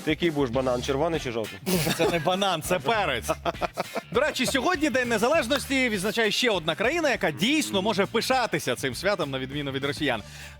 Ти який будеш банан, червоний чи жовтий? Це не банан, це перець. До речі, сьогодні День Незалежності відзначає ще одна країна, яка дійсно може пишатися цим святом, на відміну від росіян.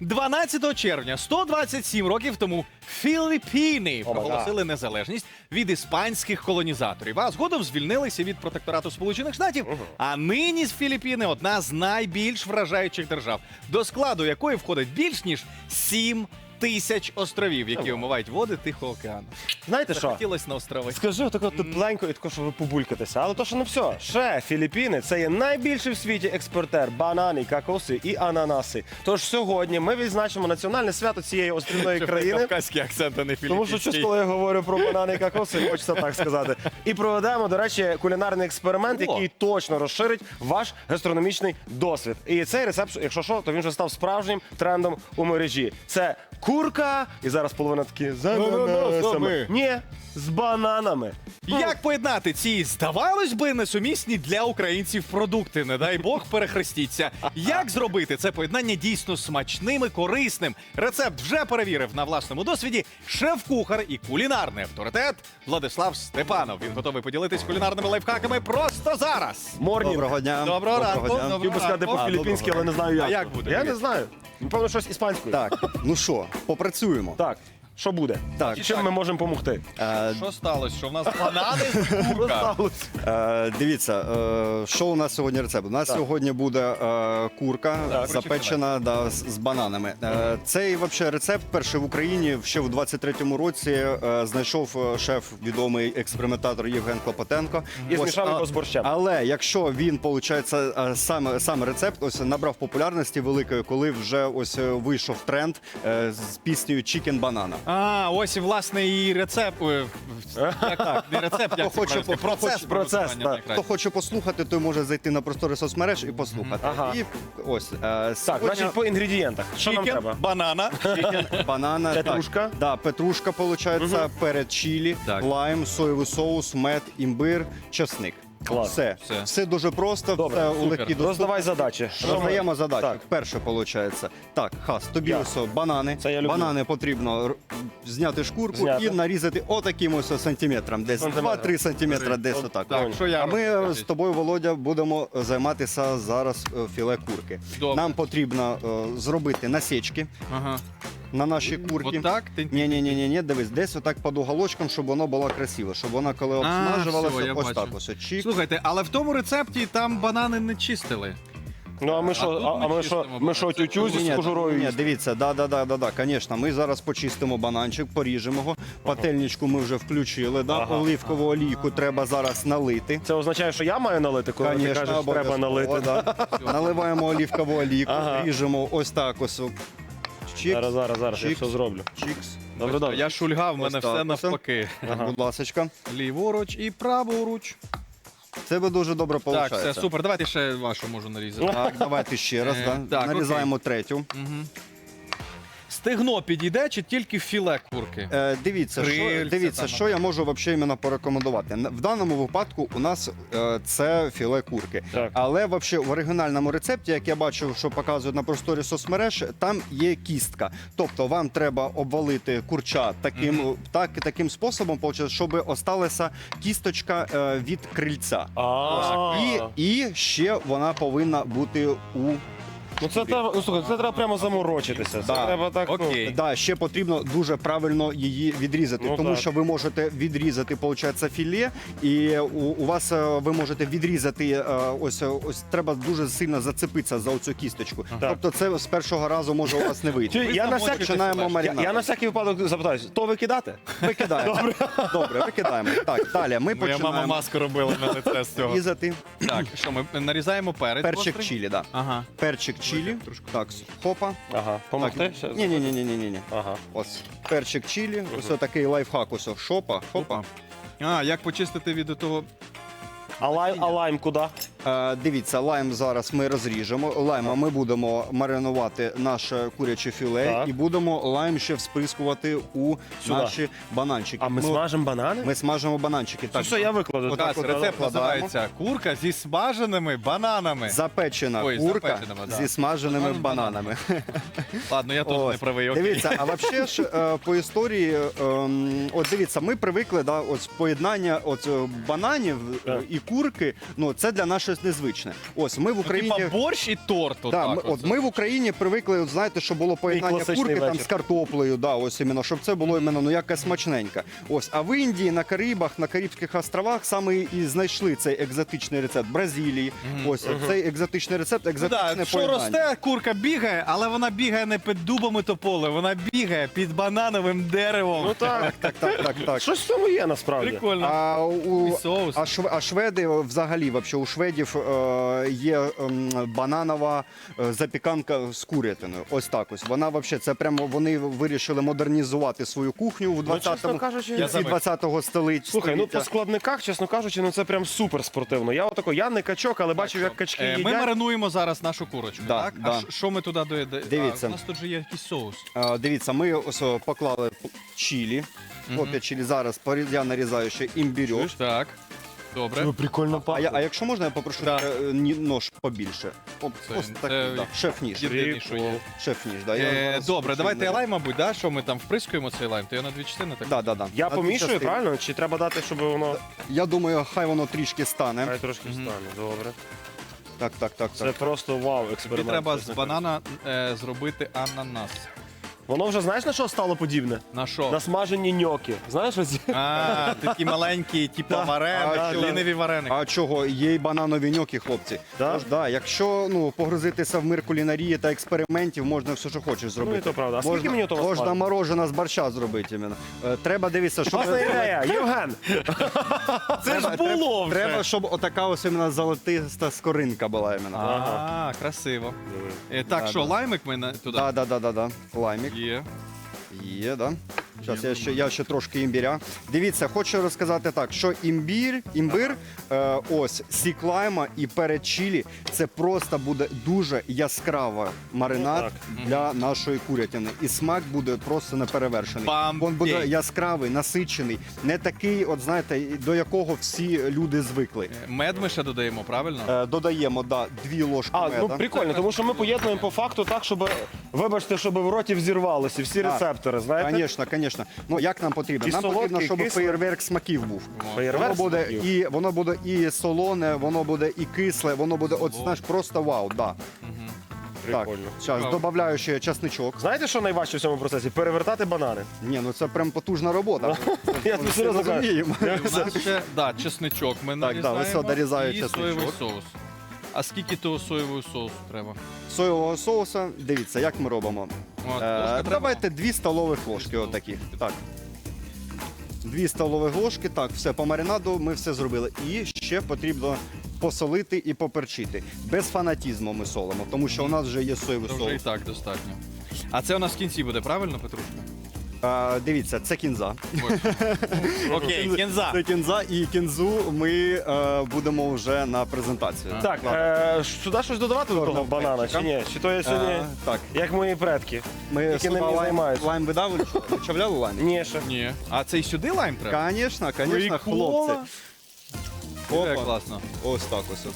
12 червня, 127 років тому, Філіппіни проголосили незалежність від іспанських колонізаторів, а згодом звільнилися від протекторату Сполучених Штатів. А нині з Філіппіни одна з найбільш вражаючих держав, до складу якої входить більш ніж 7 тисяч островів, які омивають води Тихого океану. Знаєте що? Захотілось на острови. Скажи отако тепленько і тако, щоб ви побулькатися. Але то, що не все. Ще Філіппіни – це є найбільший в світі експортер банани, кокоси і ананаси. Тож сьогодні ми відзначимо національне свято цієї острівної країни. Кавказький акцент, а не Тому що філіппінський. щось, коли я говорю про банани і кокоси, хочеться так сказати. І проведемо, до речі, кулінарний експеримент, який точно розширить ваш гастрономічний досвід. І цей рецепт, якщо що, то він вже став справжнім трендом у мережі. Це курка, і зараз половина такі з ананасами. Ні, з бананами. Як поєднати ці, здавалось би, несумісні для українців продукти? Не дай Бог, перехрестіться. Як зробити це поєднання дійсно смачним і корисним? Рецепт вже перевірив на власному досвіді шеф-кухар і кулінарний авторитет Владислав Степанов. Він готовий поділитись кулінарними лайфхаками просто зараз. Морнінг. Доброго дня. Доброго ранку. дня. Доброго Хотів би сказати ранку. по-філіппінськи, але не знаю як. А як буде? Я не знаю. Напевно, щось іспанською. Так, ну що, попрацюємо. Так, що буде? Так. Чим ми можемо допомогти? Е, Що сталося? Що в нас банани з курка? Дивіться, що у нас сьогодні рецепт? У нас сьогодні буде курка запечена з бананами. Цей вообще рецепт перший в Україні ще в 23-му році знайшов шеф, відомий експериментатор Євген Клопотенко. І Ось, змішав його з борщем. Але якщо він, виходить, саме рецепт ось набрав популярності великої, коли вже ось вийшов тренд з піснею «Chicken Banana». А, ось і власне і рецепт. Так, не рецепт, як це Хоче правильно сказати? процес, приготування так. найкраще. Хто хоче послухати, той може зайти на простори соцмереж і послухати. Ага. І ось Так, значить, по інгредієнтах. Що нам Чікен, треба? банана. банана, Петрушка. Так, да, петрушка, виходить, перець чилі, Так. лайм, соєвий соус, мед, імбир, чесник. Клас. Все дуже просто, Добре, все у супер. легкій доступності. Роздавай задачі. Роздаємо задачу. Так. Перше, виходить. Так, Хас, тобі Я. ось банани. Це я люблю. Банани потрібно зняти шкурку Зняти. і нарізати отаким ось сантиметром. Десь Сантиметр. 2-3 сантиметра, десь отак. Так, що я А ми роблю? з тобою, Володя, будемо займатися зараз філе курки. Добре. Нам потрібно зробити насічки Ага. на наші курки. Отак? Ні, дивись, десь отак під уголочком, щоб воно було красиво, щоб вона коли все, обсмажувалася, я ось бачу. так ось. Чик. Слухайте, але в тому рецепті там банани не чистили. Ну, а ми тут що, ми ми чистимо що, банан. тютю Ні, з кожурою ні, їсти? дивіться, да, звісно. Ми зараз почистимо бананчик, поріжемо його. Пательничку ми вже включили, оливкову олійку треба зараз налити. Це означає, що я маю налити, коли ти Конечно, кажеш, треба налити. да. Наливаємо оливкову олійку, ріжемо ось так ось. Чикс, Зараз, я Чікс. все зроблю. чикс. Добре. Я шульга, в мене Ось так все ось. навпаки. Будь ласочка. Ліворуч і праворуч. Це би дуже добре Так, виходить. все супер. Давайте ще вашу можу нарізати. Так, давайте ще раз. так, Нарізаємо третю. Стегно підійде чи тільки філе курки? Дивіться, Крильця що там. я можу взагалі іменно порекомендувати. В даному випадку у нас це філе курки. Так. Але взагалі в оригінальному рецепті, як я бачив, що показують на просторі соцмереж, там є кістка. Тобто вам треба обвалити курча таким способом, щоб осталася кісточка від крильця. І ще вона повинна бути у... Ну це треба, слухай, це треба прямо заморочитися. Це Да. треба так. Окей. Да, ще потрібно дуже правильно її відрізати, Ну, тому так. що ви можете відрізати, виходить, філе, і у вас ви можете відрізати ось треба дуже сильно зацепитися за оцю кісточку. Так. Тобто це з першого разу може у вас не вийти. Я на всякий Починаємо маринад. Я на всякий випадок запитаюсь, то викидати? Викидаємо. Добре, викидаємо. Так, далі ми Моя мама починаємо маску робила на лице з цього. різати Так, що ми нарізаємо перець? перчик гострий? чилі. Да. Ага. Перчик чилі. Трошки. Так, хопа. Ага, помогти? Так, ні. Ага. Ось перчик чилі. Ось такий лайфхак. Ось шопа, хопа. А, як почистити від того? А лайм куди? Дивіться, лайм зараз ми розріжемо. Лайма ми будемо маринувати наше куряче філе Так. і будемо лайм ще всприскувати у Сюди. наші бананчики. А ми смажемо банани? Ми смажимо бананчики. Це що я викладу? Отак Так, от рецепт викладаємо. називається курка зі смаженими бананами. Запечена Ой, курка запеченими, да. зі смаженими Смаженими бананами. Ладно, я тут Ось. не правий. Окей. Дивіться, а взагалі ж по історії, от дивіться, ми привикли, да, от поєднання от бананів і курки, ну це для нас щось незвичне. Ось ми в Україні. Типа борщ і торт. Да, отак от ми в Україні привикли, от, знаєте, що було поєднання класичний курки там вечір. з картоплею, да, ось іменно, щоб це було іменно ну якась смачненька. Ось, а в Індії, на Карибах, на Карибських островах саме і знайшли цей екзотичний рецепт Бразилії. Ось цей екзотичний рецепт, Ну, екзотичне да, що поєднання. росте, курка бігає, але вона бігає не під дубами тополи, вона бігає під банановим деревом. Ну так, Так. щось в цьому є насправді. Прикольно. А І соус. шведи взагалі, вообще, у шведів є бананова запіканка з курятиною. Ось так ось. Вона вообще, це прямо вони вирішили модернізувати свою кухню в Ну, чесно 20-му кажучи, кінці 20-го століття. Слухай, ну по складниках, чесно кажучи, ну це прям супер спортивно. Я не качок, але бачив, як качки Ми їдять. маринуємо зараз нашу курочку, Да, так? да. А що ми туди доїдаємо? Дивіться. У нас тут же є якийсь соус. Дивіться, ми ось поклали чилі. Хлоп'я чилі зараз я нарізаю ще імбірьок. Так. Добре. Прикольно А якщо можна, я попрошу Да. нож побільше. Це- Ось так, це да. Шеф-ніж. Єдиний, що є. Шеф-ніж, да. Я зараз Добре, включу давайте на- лайм, мабуть, да? Що ми там вприскуємо цей лайм? То я на дві частини так? Да. Я На дві помішую, частини. правильно? Чи треба дати, щоб воно Я думаю, хай воно трішки стане. хай трошки стане? Добре. Так. Це просто вау, Тобі експеримент. треба з чесно банана зробити ананас. кажучи. Воно вже знаєш на що стало подібне? На що? На смажені ньоки. Знаєш оці? А, такі маленькі, типу Да. вареники, А, ліниві вареники. А чого? Є й бананові ньоки, хлопці. Да? Тож, да, якщо погрузитися в мир кулінарії та експериментів, можна все, що хочеш зробити. Ну, і то правда. А скільки мені того можна смажити? морожена з борща зробити. Іменно. Треба дивитися, щоб... Класна ідея, Євген! Це ж було вже. Треба, щоб отака ось іменно золотиста скоринка була іменно. А, красиво. Так, Да, що, да. лаймик ми туди? Да. Лаймік. Є. Да. Зараз я ще трошки імбіря. Дивіться, хочу розказати так, що імбир, ось сік лайма і перед чилі, це просто буде дуже яскравий маринад для нашої курятини. І смак буде просто неперевершений. Бомбей. Він буде яскравий, насичений, не такий, от знаєте, до якого всі люди звикли. Мед ми ще додаємо, правильно? Додаємо 2 ложки А, меда. ну прикольно, тому що ми поєднуємо по факту так, щоб, вибачте, щоб в роті взірвалося всі Так. рецептори, знаєте? Звісно. Ну як нам потрібно? І Нам солодкий, потрібно, щоб кислий. феєрверк смаків був. Феєрверк смаків. Воно буде і солоне, воно буде і кисле, воно буде, от знаєш, просто вау, да. Так, Прикольно. зараз Вау. додаю ще часничок. Знаєте, що найважче в цьому процесі? Перевертати банани. Ні, ну це прям потужна робота. Я Ми тобі всі серйозно кажу. розуміємо. У нас ще, чесничок ми Так, да, нарізаємо ось дорізаю і чесничок. соєвий соус. А скільки того соєвого соусу треба? Соєвого соуса, дивіться, як ми робимо. От, ложка треба? Давайте 2 столових ложки отакі. Так. 2 столових ложки, так, все, по маринаду ми все зробили. І ще потрібно посолити і поперчити. Без фанатізму ми солимо, тому що у нас вже є соєвий Це вже і соус. так достатньо. А це у нас в кінці буде, правильно, Петрушка? Дивіться, це кінза. Окей, кінза. Це кінза, і кінзу ми будемо вже на презентацію. Так, сюди щось додавати до того банана, чи ні? Чи то я сьогодні, Так, як мої предки? ми Які ним не займаються. лайм видали, вичавляли лайм? Ні, ще. Ні. А це і сюди лайм треба? Звісно, Прикола. хлопці. Це Опа. класно. Ось так ось.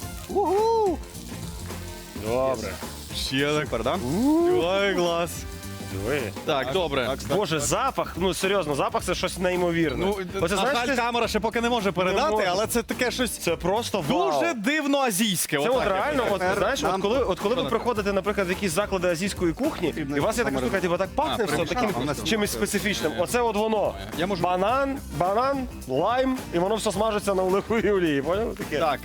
Добре. Ще так. Супер, да? Ой, клас. Диви. Так, добре. Так, Боже, запах, ну серйозно, запах це щось неймовірне. Ну, Оце, на знаєш, жаль, це, камера ще поки не може передати, може. але це таке щось це просто вау. дуже дивно азійське. Це отак от я реально, б от, Тепер знаєш, нам- от коли ви приходите, наприклад, в якісь заклади азійської кухні, і у вас є така штука, типу, так пахне все примішав, таким а в нас чимось специфічним. Оце от воно. Я можу- Банан, лайм, і воно все смажиться на оливковій олії. Поняв? Таке. Так,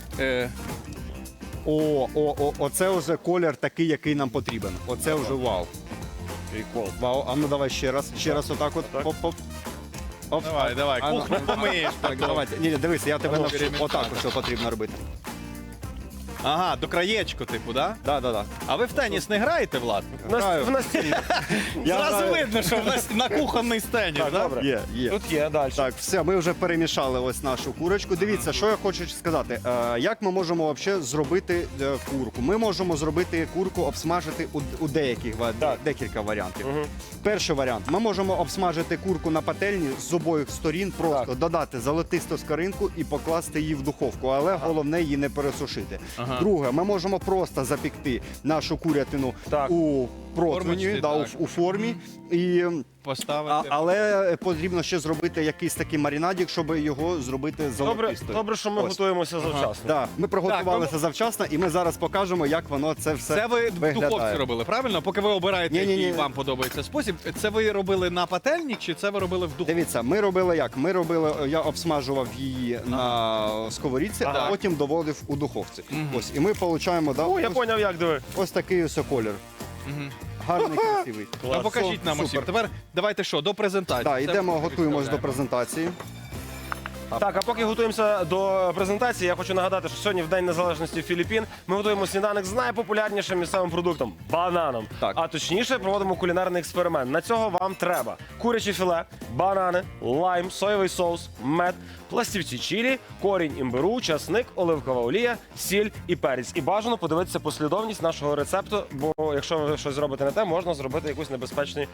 Оце вже колір такий, який нам потрібен. Оце вже вау. Прикол. Вау, а ну давай ще раз отак от. Так. Оп. Оп. давай, А, ну, кухню помиєш. Так, давайте. Ні, дивись, я тебе Ну, навчу. перемішати. Отак ось потрібно робити. Ага, до краєчку, типу, да? Да. А ви в теніс не граєте, Влад? Граю. В настільні. Зразу граю. видно, що в нас на кухонний теніс, Так, да? добре. Є. Тут є, далі. Так, все, ми вже перемішали ось нашу курочку. Дивіться, що я хочу сказати. Як ми можемо взагалі зробити курку? Ми можемо зробити курку, обсмажити у деяких Так. декілька варіантів. Перший варіант. Ми можемо обсмажити курку на пательні з обох сторін, просто Так. додати золотисту скоринку і покласти її в духовку, але головне її не пересушити. Ага. Друге, ми можемо просто запікти нашу курятину Так. у противні, Формочці, да, так. у формі. І Поставити. але потрібно ще зробити якийсь такий маринадик, щоб його зробити Добре, золотистою. добре, що ми Ось. готуємося завчасно. Да, ми приготувалися завчасно, і ми зараз покажемо, як воно це все Це ви в виглядає. духовці робили, правильно? Поки ви обираєте, Ні-ні-ні. який вам подобається спосіб. Це ви робили на пательні, чи це ви робили в духовці? Дивіться, ми робили як? Я обсмажував її на сковорідці, Ага. а потім доводив у духовці. Ось, і ми отримуємо О, я поняв, як диви. ось такий ось колір. Мгм. Гарний, красивий. Ну, покажіть нам усім. Супер. Тепер давайте що, до презентації. Так, Це йдемо, ми готуємось до відставляємо. презентації. Так, а поки готуємося до презентації, я хочу нагадати, що сьогодні в День Незалежності Філіппін ми готуємо сніданок з найпопулярнішим місцевим продуктом бананом. Так. А точніше, проводимо кулінарний експеримент. На цього вам треба куряче філе, банани, лайм, соєвий соус, мед, пластівці чилі, корінь імбиру, часник, оливкова олія, сіль і перець. І бажано подивитися послідовність нашого рецепту, бо якщо ви щось зробите не те, можна зробити якусь небезпечний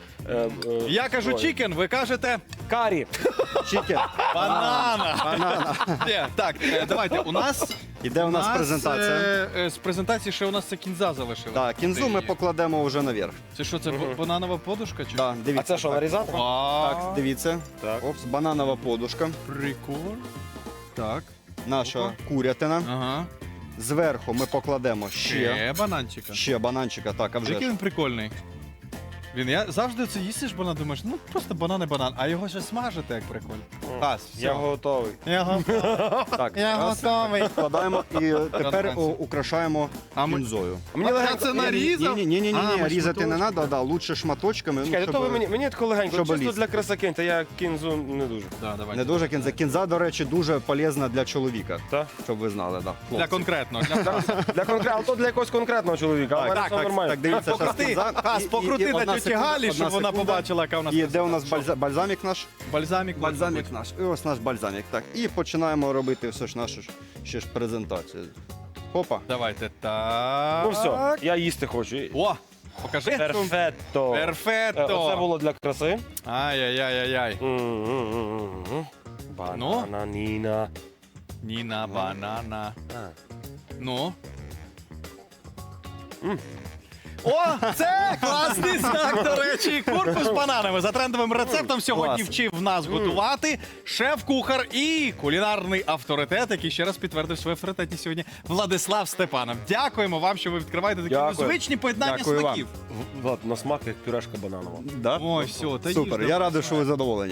Я кажу зброю. чікен, ви кажете карі. Чікен. банана. Ні, так, давайте, у нас... Іде у нас презентація. З презентації ще у нас це кінза залишилася. Так, кінзу ми покладемо вже наверх. Це що, це бананова подушка? Чи? Да, А дивіться. це що, нарізати? Так, дивіться. Так. Опс, бананова подушка. Прикол. Так. Наша курятина. Ага. Зверху ми покладемо ще Бананчика. бананчика. Так, а вже Який ж. він прикольний. Я завжди це їсиш банан, думаєш, ну просто банан, а його ще смажити, як прикольно. Пас, все. Я готовий. Так, Я раз, готовий. вкладаємо і тепер Франції. украшаємо А ми- кінзою. Мені легенько. це нарізав? Ні, А, ми різати не шматочками. треба, лучше шматочками. Чекайте, щоб- то ви мені тако легенько, щоб чисто лізти. для краси киньте, я кінзу не дуже. Да, давайте. Не дуже кінза. Кінза, до речі, дуже полезна для чоловіка. Так? Щоб ви знали, да. Для хлопці. конкретного. Для конкретного, то для якогось конкретного чоловіка, а в мене Так, все нормально. так, дивіться, зараз Покрути, кінза. Хас, покрути на тьоті Галі, щоб вона побачила, яка у нас І де у нас презентація. бальзамік наш? Бальзамік. Бальзамік наш. І ось наш бальзамік. Так. І починаємо робити все ж нашу ще ж презентацію. Хопа. Давайте, так. Ну все, я їсти хочу. О, покажи. Перфетто. Перфетто. Оце було для краси. Ай-яй-яй-яй. Бананіна. Ніна, банана. Ну. О, це класний знак, до речі. Курку з бананами. За трендовим рецептом сьогодні Клас. вчив нас готувати шеф-кухар і кулінарний авторитет, який ще раз підтвердив свою авторитетність сьогодні, Владислав Степанов. Дякуємо вам, що ви відкриваєте такі Дякую. незвичні поєднання Дякую вам. смаків. Влад, на смак як пюрешка бананова. Да? Ой, все, та Супер, їж, я радий, що ви задоволені.